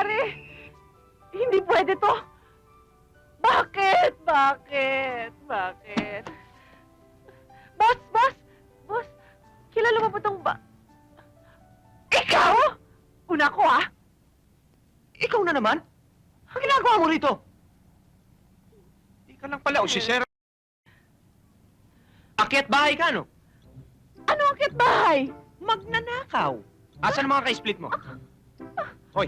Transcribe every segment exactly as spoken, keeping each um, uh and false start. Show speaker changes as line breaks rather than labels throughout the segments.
nangyayari? Hindi pwede to. Bakit? Bakit? Bakit? Boss, boss! Boss, kilala mo ba tong ba... Ikaw? Una ko, ah!
Ikaw na naman? Ang ginagawa mo rito? Ika lang pala, o si Sir. Akyat bahay ka, no?
Ano ang kit bahay?
Magnanakaw. Asan ang mga ka-split mo? Hoy.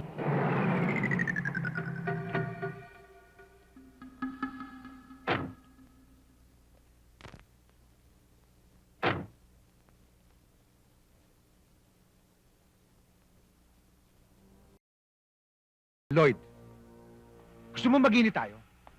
Lloyd, gusto mo mag-init tayo?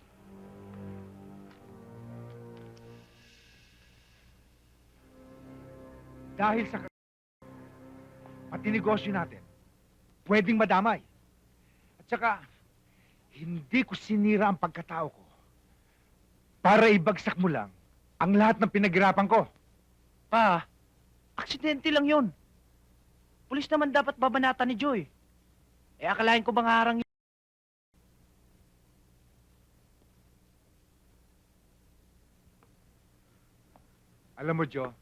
Dahil sa pati negosyo natin, pwedeng madamay. At saka, hindi ko sinira ang pagkatao ko para ibagsak mo lang ang lahat ng pinaghirapan ko.
Pa, aksidente lang yon. Pulis naman dapat babanatan ni Joy. Eh, akalain ko bang harang yun?
Alam mo, Joe,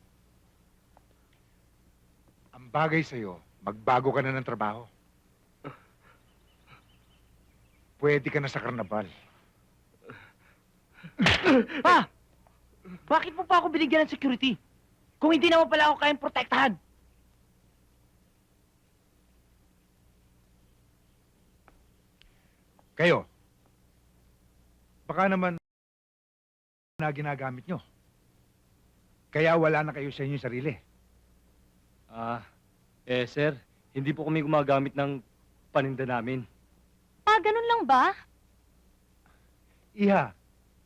ang bagay sa'yo, magbago ka na ng trabaho. Pwede ka na sa karnabal.
Pa! Bakit mo pa ako binigyan ng security? Kung hindi naman pala ako kayang protektahan.
Kayo, baka naman na ginagamit nyo. Kaya wala na kayo sa inyong sarili.
Ah, eh sir, hindi po kami gumagamit ng paninda namin.
Ah, ganun lang ba?
Iha.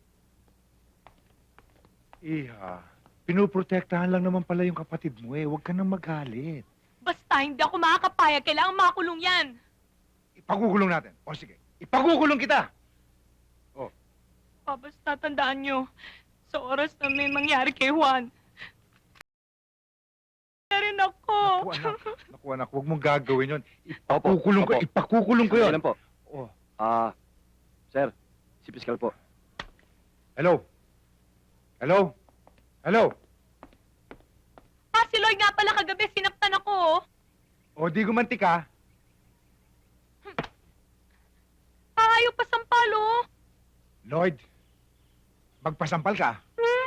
Iha, pinuprotektahan lang naman pala yung kapatid mo eh. Huwag ka nang magalit.
Basta hindi ako makakapayag. Kailangan makulong yan.
Ipagukulong natin. O sige, ipagukulong kita.
Pa, basta tandaan nyo, sa oras na may mangyari kay Juan, na rin ako.
Naku anak, naku anak, huwag mong gagawin yun. Ipakukulong ko,
Opo.
ipakukulong ko yun.
Ilan po?
Oh.
Ah, sir, si Piskal po.
Hello? Hello? Hello?
Ah, si Lloyd nga pala kagabi, sinaptan ako. oh.
O di gumanti ka.
Ah, ayaw pa sampal, oh.
Lloyd, magpasampal ka.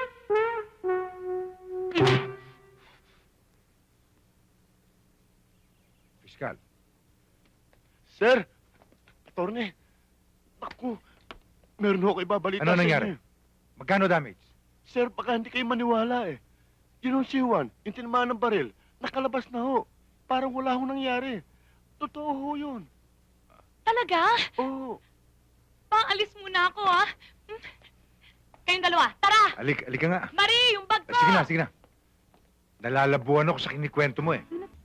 Fiskal.
Sir! Attorney! Ako! Meron ako ibabalita
Ano
sa
nangyari?
inyo.
Magkano damage?
Sir, baka hindi kayo maniwala eh. Yun ang si Juan, yung tinamaan ng baril, nakalabas na ho. Parang wala ho nangyari. Totoo ho yun.
Talaga?
Oo.
Pa, alis muna ako, ah. Hmm. Kayong dalawa, tara!
Alik, alik ka nga.
Marie, yung bag
Ah,
ko!
sige na, sige na. Nalalabuan ako sa kinikwento mo eh.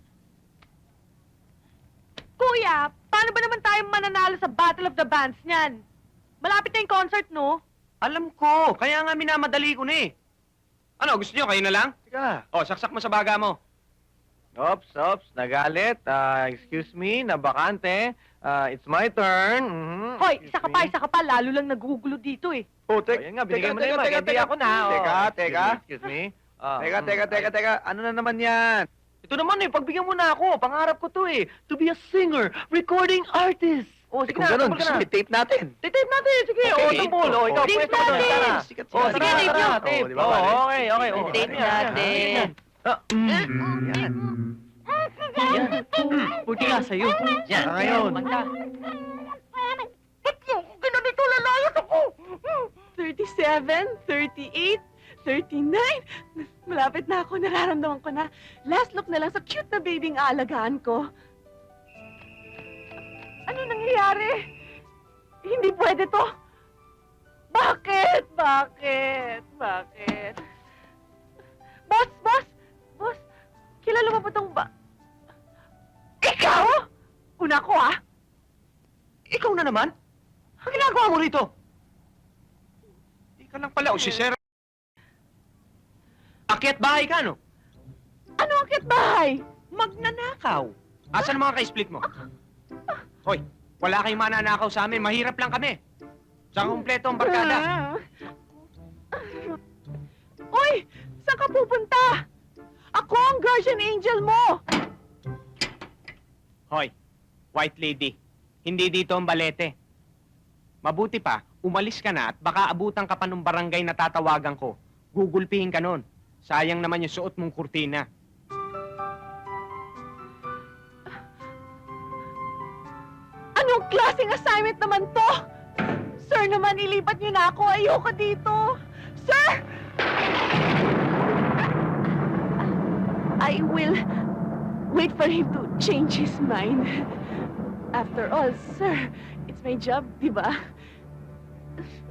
Kuya, paano ba naman tayo mananalo sa Battle of the Bands niyan? Malapit na yung concert, no?
Alam ko, kaya nga minamadali ko na eh. Ano, gusto nyo, kayo na lang?
Teka.
O, saksak mo sa baga mo.
Ops, ops, nagalit. Ah, excuse me, nabakante. Ah, it's my turn. Mhm,
Hoy,
excuse
isa ka pa,
me.
isa ka pa. Lalo lang nagugulo dito, eh.
Oh,
Oh,
tek,
yan nga, binigay
teka,
mo na
teka,
yung
teka,
mag-hindi
teka.
ako na. oh.
Teka,
Excuse
teka.
me, Excuse me. Ah,
Teka,
mm,
teka, teka,
ay-
teka. Ano na naman yan?
Ito naman eh, pagbigyan mo na ako. Pangarap ko to eh. To be a singer, recording artist. Oh, sige
Kung
na,
ganun,
tumbol ka
gusto
na.
mo i-tape natin.
Tape natin, sige.
Okay.
Oh, tumbol. Oh, ikaw,
Tape
pwesto ka doon.
natin.
Tara.
Sikat
Oh,
siya.
sige,
Sige,
tape
tape
na.
nyo.
Tape.
Oh, di ba,
Oh,
pare?
okay, okay. Oh,
Tape
yan, yan,
natin.
yan. Ah, mm, yan. Yan. Buti nga sa'yo. Yan.
Ah, ngayon.
Magda.
Ba't mo ako ginanito? Lalayas ako! thirty-seven, thirty-eight, thirty-nine. Malapit na ako. Nararamdaman ko na. Last look na lang sa cute na babying aalagaan ko. Ano nangyayari? Hindi pwede to. Bakit? Bakit? Bakit? Boss, boss! Boss, kilala mo ba tong ba... Ikaw? Una ko, ah!
Ikaw na naman? Ang ginagawa mo rito? Ika lang pala, o si Sir. Akyat bahay ka, no?
Ano ang kit bahay?
Magnanakaw. Asan ang mga ka-split mo? Hoy, Wala kayong mananakaw sa amin. Mahirap lang kami. Saan kumpleto ang barkada?
Uy! Saan ka pupunta? Ako ang guardian angel mo!
Hoy, white lady. Hindi dito ang balete. Mabuti pa, umalis ka na at baka abutan ka pa ng barangay na tatawagan ko. Gugulpihin ka nun. Sayang naman yung suot mong kurtina.
Anong klaseng assignment naman to? Sir naman, ilipat niyo na ako. Ayoko dito. Sir! I will wait for him to change his mind. After all, sir, it's my job, di ba?